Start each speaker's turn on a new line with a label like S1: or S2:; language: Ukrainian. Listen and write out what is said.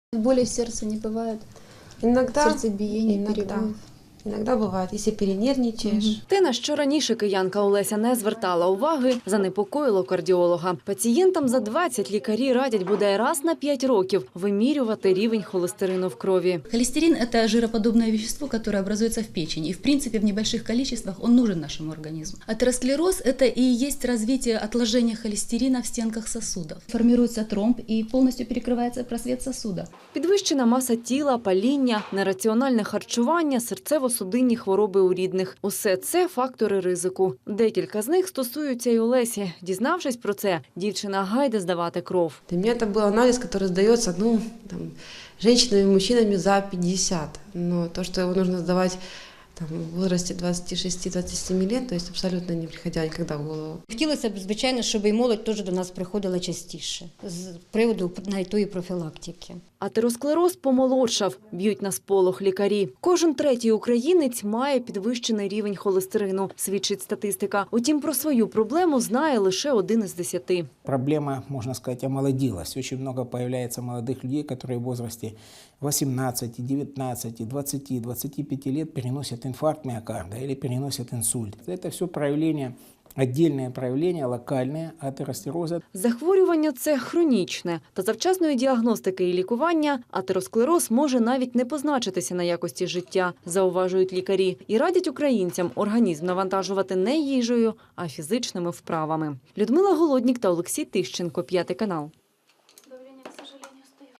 S1: Боли в сердце не бывает,
S2: Иногда,
S1: сердцебиение, перебоев.
S2: иногда бывает, если перенервничаешь.
S3: Те, на що раніше киянка Олеся не звертала уваги, занепокоїло кардіолога. Пацієнтам за 20 лікарі радять бодай раз на 5 років вимірювати рівень холестерину в крові.
S4: Холестерин – это жироподобное вещество, которое образуется в печени. И, в принципе, в небольших количествах он нужен нашему организму. Атеросклероз – это и есть развитие отложения холестерина в стенках сосудов. Формируется тромб и полностью перекрывается просвет сосуда.
S3: Підвищена маса тіла, паління, нераціональне харчування, серцево-судинні хвороби у рідних – усе це фактори ризику. Декілька з них стосуються й Олесі. Дізнавшись про це, дівчина гайде здавати кров.
S2: Для меня это был анализ, который сдается женщинами и мужчинами за 50. Но то, что его нужно сдавать в возрасте 26-27 лет, то есть абсолютно не приходя никогда в голову.
S5: Хотілося б, звичайно, щоб і молодь теж до нас приходила частіше з приводу навіть тої профілактики.
S3: Атеросклероз помолодшав, б'ють на сполох лікарі. Кожен третій українець має підвищений рівень холестерину, свідчить статистика. Утім, про свою проблему знає лише 1 із 10.
S6: Проблема, можно сказать, омолодилась. Очень много появляется молодых людей, которые в возрасте 18, 19, 20, 25 лет переносят инфаркт миокарда или переносят инсульт. Это все проявления, отдельные проявления, локальные атеросклероза.
S3: Захворювання – це хронічне. Та завчасної діагностики і лікування атеросклероз може навіть не позначитися на якості життя, зауважують лікарі. І радять українцям організм навантажувати не їжею, а фізичними вправами. Людмила Голоднік та Олексій Тищенко, 5 канал.